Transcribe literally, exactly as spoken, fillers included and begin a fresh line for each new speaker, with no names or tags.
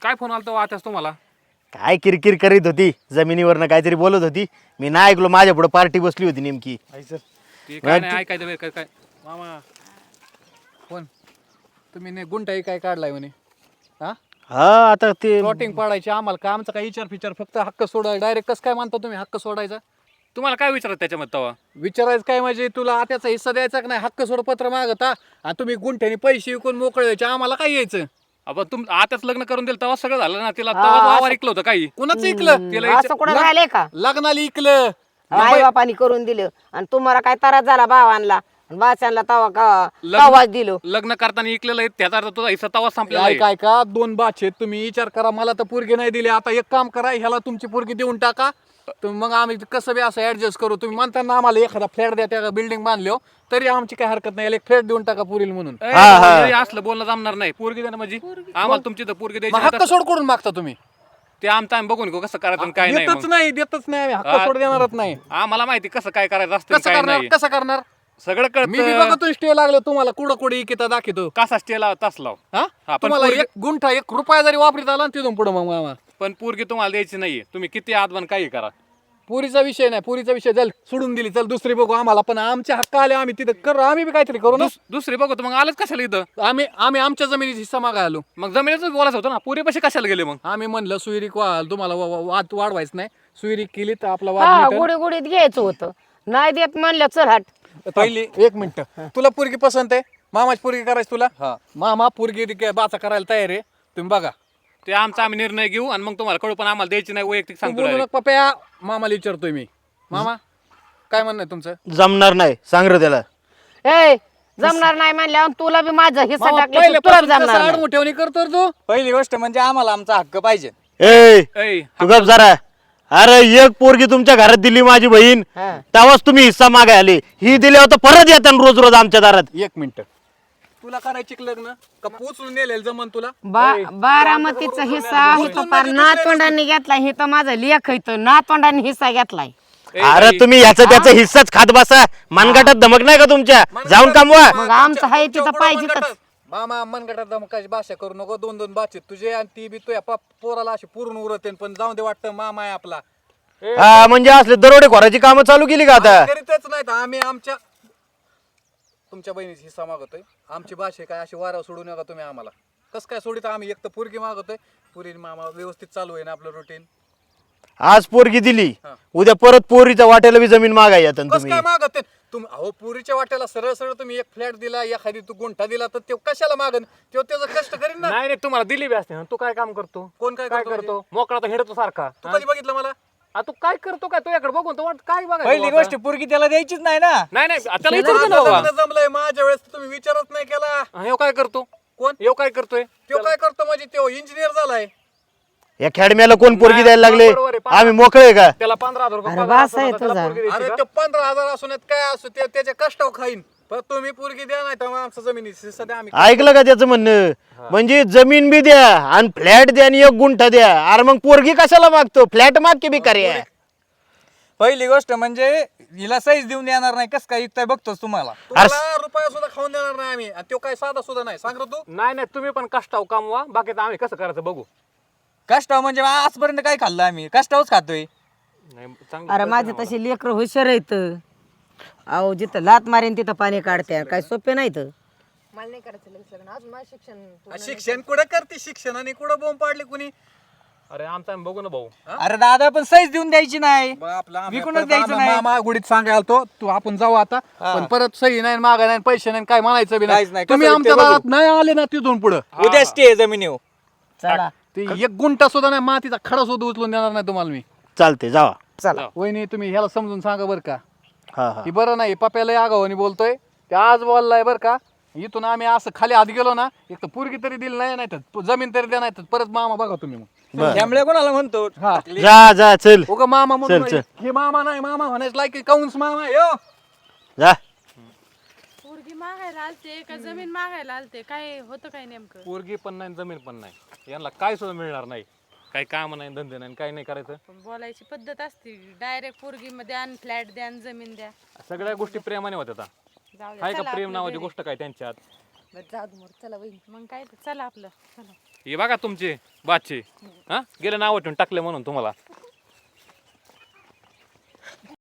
काय फोन आलता आताच तुम्हाला?
काय किरकिर करीत होती जमिनीवरनं काहीतरी बोलत होती. मी नाही ऐकलो, माझ्या पुढे पार्टी बसली होती नेमकी.
ते काय नाही ऐकायचं बरं, काय काय
मामा कोण तुम्ही ने गुंठाई काय काढलाय म्हणे? हा
हा आता ते
प्लॉटिंग पाडायची आम्हाला काय, आमचा काय विचार फिचार, फक्त हक्क सोडा डायरेक्ट. कसं काय मानता तुम्ही हक्क सोडायचा?
तुम्हाला काय विचारत त्याच्यामध्ये तवा?
विचारायचं काय म्हणजे तुला त्याचा हिस्सा द्यायचा का नाही? हक्क सोड पत्र मागता आणि तुम्ही गुंठ्याने पैसे विकून मोकळे व्हायचे, आम्हाला काय यायचं?
आपण तुम आताच लग्न करून दिलं तेव्हा सगळं झालं ना. तिला तेव्हा वावर ऐकलं होतं काही.
कुणाचं ऐकलं?
तिला
असं कुठं राहिले का?
लग्नाला ऐकलं.
आई बापानी करून दिलं आणि तुम्हाला काय त्रास झाला भावांना बाच्यांना तवा का
लग्न-
तवाच दिलो.
लग्न करताना ऐकलेलं आहे त्याचा अर्थ तुझा हिस्सा तवा संपलेला
काय
आहे.
काय का दोन बाचे तुम्ही विचार करा. मला तर पोरगी नाही दिली, आता एक काम करा, ह्याला तुमची पोरगी देऊन टाका. तर मग आम्ही कसं बी असं ऍडजस्ट करू. तुम्ही म्हणता ना आम्हाला एखादा फ्लॅट द्या, त्या बिल्डिंग बांधलो तरी आमची काय हरकत नाही. याला एक फ्लॅट देऊन टाका पुरील म्हणून.
ए,
हा, हा.
हे असलं बोलणं जमणार नाही. पोरगी देणं म्हणजे आम्हाला तुमची तर पोरगी
मग
द्यायची
हक्क
नाही
सोड करून मागता तुम्ही?
तर ते आमचं आम्ही बघून घेऊ कसं करायचं आणि काय नाही.
देतच
मग.
नाही, देतच नाही आम्ही. हक्क
हा.
सोड देणारच नाही.
आम्हाला माहिती कसं काय करायचं असतं
कसं
काय
करणार?
नाही.
कसं करणार?
सगळं
मी बी
कळत.
बघतो स्टे लागलो तुम्हाला कुठं कुठे इकिता दाखवतो.
कसा स्टे लाव तास लाव.
हा
हा, पण
तुम्हाला
पोरगी-
एक गुंठा एक रुपया जरी वापरीत आला ना तिथून पुढे मग मामा
पण पोरगी तुम्हाला द्यायची नाहीये. तुम्ही किती आदबन काही करा.
पुरीचा विषय नाही. पुरीचा विषय चल सोडून दिली, चल दुसरी बघू. आम्हाला पण आमचे हक्क आले, आम्ही तिथे करू, आम्ही बी काहीतरी करू ना.
दुस- दुसरी बघू तर मग आलंच कशाला इथं?
आम्ही आम्ही आमच्या जमिनीचा हिस्सा मागाय आलो.
मग जमिनीच बोलायचं होतं ना. पुरी पैसे कशाला गेले मग?
आम्ही म्हणलं सुईरीक वा- तुम्हाला वा- वा- वाद वाढवायचं नाही. सुईरीक केली तर आपला
हा
वाद मिटेल.
गुढी गुढीत घ्यायचं होतं, नाही देत म्हणलं चल हट.
पहिली एक मिनिट, तुला पोरगी पसंत आहे? मामाची पोरगी करायची तुला? मामा पोरगी रिक- बाचा करायला तयार आहे, तुम्ही बघा.
ते आमचा आम्ही निर्णय घेऊ आणि मग तुम्हाला कळू, पण आम्हाला द्यायची नाही वैयक्तिक
तू
सांगतो
बोलू
direct.
नका पप्या, मामाला विचारतोय मी. मामा काय म्हणणं आहे तुमचं?
जमणार नाही, सांग रे त्याला.
ए जमणार नाही म्हणल्यावर तुला बी माझा हिस्सा
मामा,
टाकला तुला
पहिल्यापासून
जमणार
कसं
नाही.
आडमुठ्यावणी करतो रे तू?
पहिली गोष्ट म्हणजे आम्हाला आमचा हक्क पाहिजे.
ए
ऐ,
तू गप जरा. अरे एक पोरगी तुमच्या घरात दिली माझी बहीण,
हा.
तेव्हाच तुम्ही हिस्सा मागाय आले. ही दिल्यावर तर परत येतात रोज रोज आमच्या दारात.
एक मिनिट, तुला करायची का लग्न का पोचून नेलेलं जमन तुला?
बा- बारामतीचा हिस्सा इथं पार नातवंडांनी घेतलाय. हे तर माझा लेख इथं नातवंडांनी हिस्सा घेतलाय.
ऐ,
अरे
बाई,
तुम्ही ह्याचं त्याचं हिस्साच खात बसा. मनगटात धमक नाही का तुमच्या? जाऊन कामवा.
मग आमचं आहे तिथं पाहिजेतच.
मामा मनगटात दमकाची भाषा करू नको. दोन दोन बाचे तुझे आणि ती बी तुझ्या पा- पोराला अशी पूर्ण उरते, पण जाऊन दे. वाटतं मामा आहे आपला.
हा, म्हणजे असले दरोडे खोराची कामं चालू केली का आता?
करीतच नाही तर आम्ही आमच्या तुमच्या बहिणीचा हिस्सा मागतोय. आमची भाषा काय अशी वारा सोडू नका तुम्ही आम्हाला. कसं काय सोडित? आम्ही एक तर पोरगी मागतोय. पुरी मामा व्यवस्थित चालू आहे ना आपलं रुटीन?
आज पोरगी दिली, उद्या परत पोरीच्या वाट्याला बी जमीन मागाय येतात
कसं
तुम्ही.
काय मागत तुम्ही? अहो पुरीच्या वाट्याला सरळ सरळ तुम्ही एक फ्लॅट दिला, एखादी तू गुंठा दिला, तर ते कशाला मागन? तो त्याचं कष्ट करीन ना.
नाही नाही, तुम्हाला दिली बी असते ना. तू काय काम करतो?
कोण काय
काय
करतो
करतो? मोकळा तर हिडतो सारखा.
तू कधी बघितलं मला?
आ, तू काय करतो? काय तुझ्याकडे बघून तो वाट काय बघायचं
पहिली
आता?
गोष्ट पोरगी त्याला द्यायचीच नाही ना.
नाही नाही, त्याला विचारतो ना
माझं
बाबा.
लग्न जमलंय, माझ्या वेळेस तुम्ही विचारच नाही केला.
हा, ह्यो काय करतो?
कोण?
ह्यो काय करतोय?
तो काय करतो म्हणजे? तो इंजिनियर झालाय.
या खेडम्याला कोण पोरगी द्यायला लागले?
बरोबर आहे.
आम्ही मोकळे का?
त्याला पंधरा हजार रुपये
अरे
पगार
वास
असतो ना,
आहे
त्याला
तुझा.
पोरगी द्यायची
अरे
का?
ते पंधरा हजार असून काय असो, ते त्याच्या कष्टावर खाईन. पण तुम्ही पोरगी द्या नाही तर मग आमचं जमिनी सध्या आम्ही
ऐकलं का त्याचं म्हणणं? म्हणजे जमीन बी द्या आणि फ्लॅट द्या आणि एक गुंठा द्या. अरे मग पोरगी कशाला मागतो? फ्लॅट माग की बी कार्य.
पहिली गोष्ट म्हणजे हिला साईज देऊन देणार नाही. कस काय इकताय बघतोच तुम्हाला.
तुम्हाला रुपया सुद्धा खाऊन देणार नाही आम्ही. आणि तो काय साधा सुद्धा नाही. सांग रे तू.
नाही नाही, तुम्ही पण कष्टाव कामवा. बाकी आम्ही कसं करायचं बघू.
कष्टाव म्हणजे आजपर्यंत काय खाल्लं आम्ही? कष्टावच खातोय.
नाही, चांगलं
अरे
कळतं
माझे
आम्हाला.
तसे लेकर हुशार आहेत. अहो जिथं लात मारेन तिथं पाणी काढते. काय सोपे नाहीत.
मला नाही करायचं लग्न अजून माझं शिक्षण पूर्ण
शिक्षण कुठं करते? शिक्षण आणि कुठं बोंब पाडली कुणी?
अरे आमचा आम्ही बघू ना भाऊ.
अरे दादा पण साईज देऊन द्यायची नाही.
बघ आपला आम्ही
विकूनच
परत
द्यायचं
आम्हा-
नाही.
मामा गुडीत सांगायला तो तू आपण जाऊ आता. पण परत सही नाही, मागा नाही, पैसे नाही, काय म्हणायचं बी
काहीच
नाही.
नाही.
तुम्ही
कसं
आमच्या
ते बघू.
दारात नाही आले ना तिथून पुढं
उद्या स्टे जमिनीवर.
चला
ते एक गुंठा सुद्धा नाही, मातीचा खडा सुद्धा उचलून देणार नाही तुम्हाला मी.
चालते जावा.
चला
वहिनी तुम्ही ह्याला समजून सांगा बरं का.
हा हा
ही बरं नाही, पप्याला आगावानी बोलतोय. ते आज बोललाय बरं का. इथून आम्ही असं खाली हात गेलो ना, एक तर पोरगी तरी दिली नाही, नाही तर जमीन तरी द्या, नाही तर परत मामा बघा तुम्ही मग.
बरं.
त्यामुळे कोणाला म्हणतो?
हा
जा जा चल
उगा मामा म्हणून
चल, चल.
हे मामा नाही, मामा म्हणायचं लायकी काउन्स मामा यो.
जा.
पोरगी मागायला आलते का जमीन मागायला आलते? काय होतं काय नेमकं?
पोरगी पण नाही, जमीन पण नाही. यांना काय सुद्धा मिळणार नाही. काही काम नाही, धंदे नाही, काही नाही करायचं.
पण बोलायची पद्धत असते. डायरेक्ट पोरगी मध्ये आण, फ्लॅट द्या आणि जमीन द्या.
सगळ्या गोष्टी प्रेमाने होत्या आता.
जाऊ दे,
आहे का
चला
प्रेम
आपलं
नावाची
घरी.
गोष्ट काय त्यांच्यात?
बरं, जाऊ दे मोर, चला वहीन. मग काय ते, चला आपलं चला.
हे बघा तुमचे बादचे हा गेले नाव ठेवून टाकले म्हणून तुम्हाला